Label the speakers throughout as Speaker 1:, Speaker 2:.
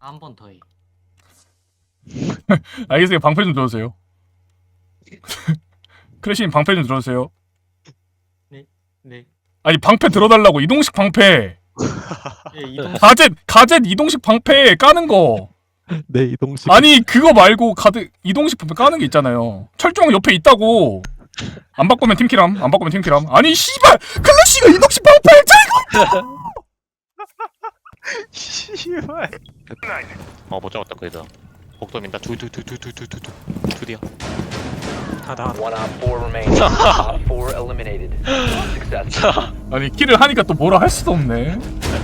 Speaker 1: 한 번 더 해.
Speaker 2: 알겠어요. 방패 좀 들어주세요. 크래시님 방패 좀 들어주세요.
Speaker 1: 네.
Speaker 2: 아니 방패 들어달라고. 이동식 방패.
Speaker 1: 예, 이동.
Speaker 2: 가젯 이동식 방패 까는 거.
Speaker 3: 네, 이동식.
Speaker 2: 아니 그거 말고 이동식 방패 까는 게 있잖아요. 철종 옆에 있다고. 안 바꾸면 팀키람. 안 바꾸면 팀키람. 아니 씨발 클래시가 이동식 방패
Speaker 4: 씨발. 못 잡았다 그래도. 복도민다. 둘이야. 다.
Speaker 5: One op 4 remaining. Op 4 eliminated. Successful.
Speaker 2: 아니 킬을 하니까 또 뭐라 할 수도 없네.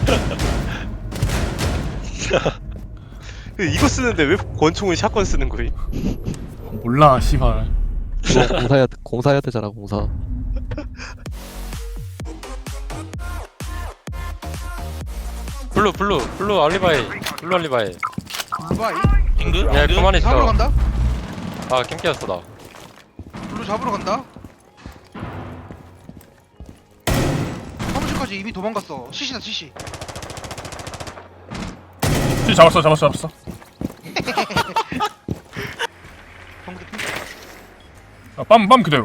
Speaker 4: 이거 쓰는데 왜 권총은 샷건 쓰는 거야?
Speaker 2: 몰라 씨발.
Speaker 3: 공사해야 되잖아, 공사.
Speaker 6: 블루 알리바이.
Speaker 7: 블루바이?
Speaker 4: 잉그?
Speaker 6: 야 그만
Speaker 7: 잡으러
Speaker 6: 있어.
Speaker 7: 간다?
Speaker 6: 아 캠키였어 나.
Speaker 7: 블루 잡으러 간다? 사무실까지 이미 도망갔어. CC다 CC.
Speaker 2: 잡았어.
Speaker 7: 정글이 핑.
Speaker 2: 빰 그대로.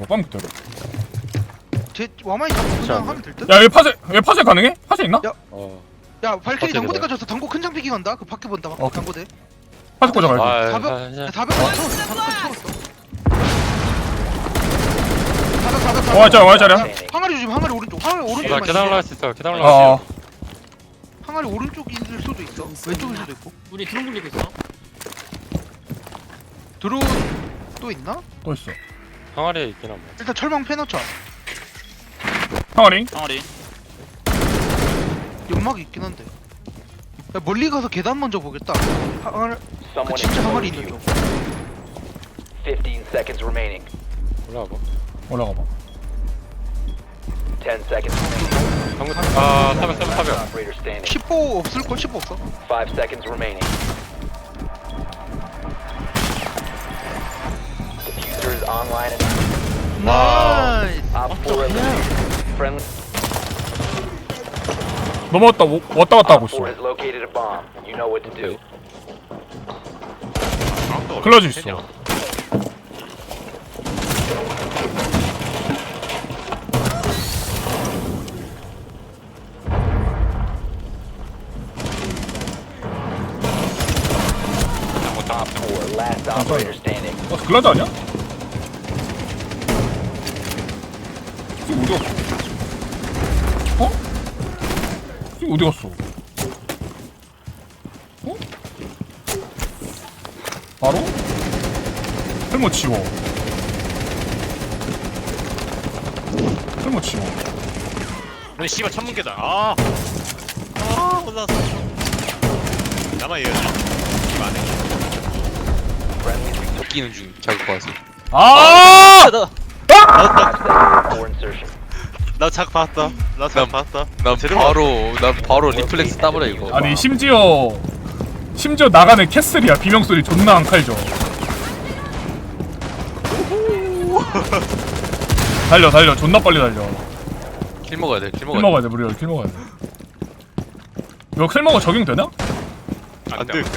Speaker 7: 제 와마이 잡고 그냥 하면 될 듯?
Speaker 2: 야, 왜 파쇄 가능해? 파쇄 있나?
Speaker 7: 야.
Speaker 6: 어.
Speaker 7: 야 발키리
Speaker 6: 갑자기
Speaker 7: 당고대까지 왔어. 당고 큰 장피기 간다. 그 밖에 본다.
Speaker 2: 어.
Speaker 7: 당고대.
Speaker 2: 파쇄 꽂아가야지.
Speaker 6: 아,
Speaker 7: 사벽.
Speaker 6: 아,
Speaker 7: 야,
Speaker 6: 아,
Speaker 7: 400까지 채웠어. 400까지 채웠어. 400.
Speaker 2: 와 자리야.
Speaker 7: 항아리 조심. 항아리 오른쪽. 항아리
Speaker 6: 나
Speaker 7: 오른쪽.
Speaker 6: 계단 올라갈 수 있어. 계단 올라갈 수
Speaker 2: 어.
Speaker 7: 항아리 오른쪽일 수도 있어. 왼쪽일 수도 있고.
Speaker 1: 우리 드론 굴리고 있어.
Speaker 7: 드론 또 있나?
Speaker 2: 또 있어.
Speaker 6: 있어. 항아리에 있긴 한데.
Speaker 7: 일단 철망 패놓자.
Speaker 2: 항아리.
Speaker 7: 연막이 있긴 한데. 야, 멀리 가서 계단 먼저 보겠다. 항아리. 그
Speaker 5: Someone
Speaker 7: 진짜 항아리
Speaker 5: exposed
Speaker 7: 있는
Speaker 5: you.
Speaker 7: 쪽.
Speaker 5: 15 seconds remaining.
Speaker 6: 올라가 봐.
Speaker 2: 올라가봐.
Speaker 5: 10 seconds remaining.
Speaker 6: 방금 아 타벽.
Speaker 5: Operator standing.
Speaker 7: 10보 없을걸? 10보 없어?
Speaker 5: 5 seconds remaining. Diffuser is online and
Speaker 7: 나이스.
Speaker 5: Op 4 eliminated. Friendly
Speaker 2: 넘어왔다. 왔다 갔다 하고
Speaker 5: Op
Speaker 2: 있어.
Speaker 5: 4 has located a bomb. You know what to do.
Speaker 2: 클러즈 있어.
Speaker 5: Op 4, last operator standing.
Speaker 2: 글라즈 아니야? 지금 어디 갔어? 어? 지금 어디 갔어? 어? 바로? 설모 치워. 설모 치워.
Speaker 4: 너 씨발 천문계다. 올라왔어. 나만 이해해. 이거 안 해.
Speaker 5: Friendly
Speaker 6: 웃기는 중 자극 봐서.
Speaker 2: 아!
Speaker 5: 4 insertion.
Speaker 4: 나작 봤다. 나작 봤다.
Speaker 6: 난
Speaker 4: 제대로
Speaker 6: 바로 리플렉스 따버려 이거.
Speaker 2: 아니 심지어 나가는 캐슬이야. 비명 소리 존나 안 칼죠. 달려 존나 빨리 달려.
Speaker 6: 킬 먹어야 돼.
Speaker 2: 킬 먹어야 돼. 무려 킬 먹어야 돼. 이거 킬 먹어 적용되나?
Speaker 4: 안 돼.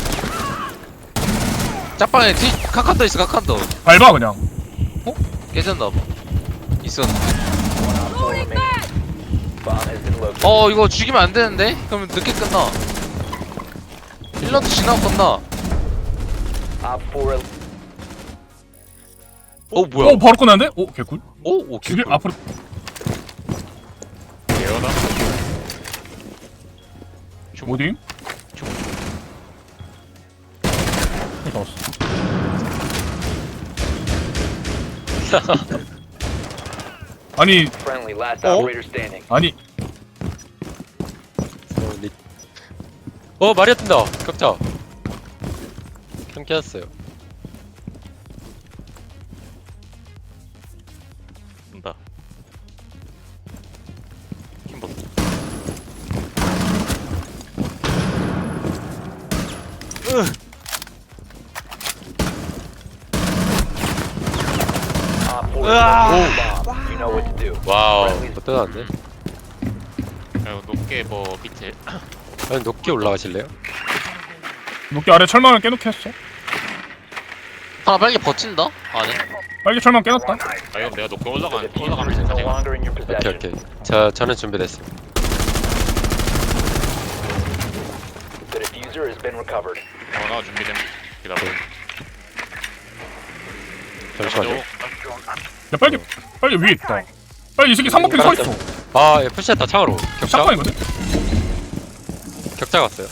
Speaker 6: 짝방에 카칸도 있어. 카칸도
Speaker 2: 밟아 그냥.
Speaker 6: 깨졌나 봐. 있어.
Speaker 5: 4 remaining. Bomb has been located.
Speaker 6: 이거 죽이면 안 되는데? 그러면 늦게 끝나. 1라운드 지나고 끝나.
Speaker 5: Op 4
Speaker 6: 뭐야?
Speaker 2: 바로 끝나는데? 개꿀.
Speaker 6: 오
Speaker 2: 죽일 앞으로.
Speaker 4: 예어다.
Speaker 2: 어디? 나왔어. 아니
Speaker 5: friendly last operator standing.
Speaker 2: 아니
Speaker 6: 마리아 뜬다. 격자. 캠키였어요.
Speaker 4: 온다. 킴보.
Speaker 5: Op 4 has bomb. You know what to do.
Speaker 6: 와우. 어떠한데?
Speaker 4: 높게 뭐 밑에.
Speaker 6: 아니 높게 올라가실래요?
Speaker 2: 녹기 아래 철망을 깨놓게 했어.
Speaker 6: 하나 빨리 버틴다? 안에?
Speaker 2: 빨리 철망 깨놨다.
Speaker 4: 아 이거 내가 높게
Speaker 5: The
Speaker 4: 올라가면
Speaker 5: diffuser is no longer in your
Speaker 3: 오케이
Speaker 5: possession.
Speaker 3: 오케이. 저는 준비됐어요.
Speaker 5: The diffuser has been recovered.
Speaker 4: 나 준비됨. 기다려.
Speaker 3: 잠시만요.
Speaker 2: 야 빨리 위에 있다. 빨리 이 새끼 3번핑 서 있어.
Speaker 3: 아, 예, 푸시했다 창으로. 격자.
Speaker 2: 샷건이거든.
Speaker 3: 격자 갔어요.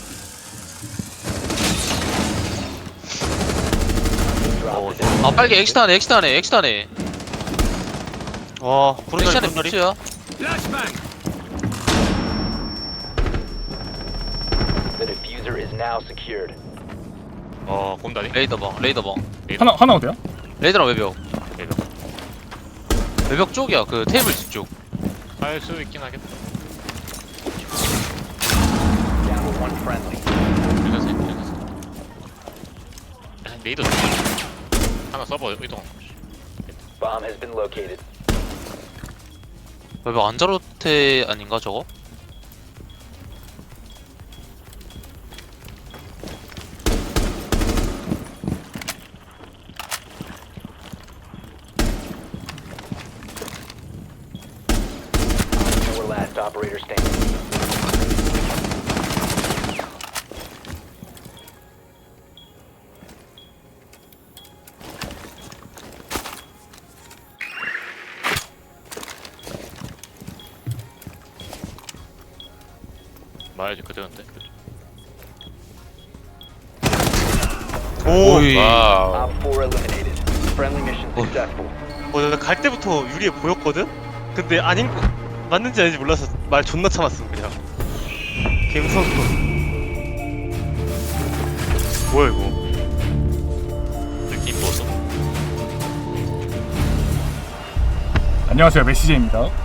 Speaker 5: Drop the diffuser.
Speaker 6: 아 빨리 엑시트 안에 엑시트 안에
Speaker 1: 와
Speaker 6: 엑시트 안에 푸시야.
Speaker 5: The diffuser is now secured.
Speaker 4: 곰다니.
Speaker 6: 레이더방
Speaker 2: 하나 어디야?
Speaker 6: 레이더랑 외벽
Speaker 4: 레이더.
Speaker 6: 외벽 쪽이야 그 테이블 뒤쪽.
Speaker 4: 할수 있긴 하겠다.
Speaker 5: Down to one friendly.
Speaker 4: 레이더. 하나 서버 이동.
Speaker 5: Bomb has been located.
Speaker 6: 외벽 안자로테 아닌가 저거?
Speaker 5: Our last operator standing.
Speaker 4: 말해야지 그대로인데.
Speaker 6: 오이.
Speaker 3: 와우.
Speaker 5: Op 4 eliminated. Friendly mission successful.
Speaker 8: 내가 갈 때부터 유리에 보였거든? 근데 아닌 거 맞는지 아닌지 몰라서 말 존나 참았음 그냥 개 무서워. 뭐야 이거.
Speaker 4: 느낌 보소.
Speaker 2: 안녕하세요 메시제입니다.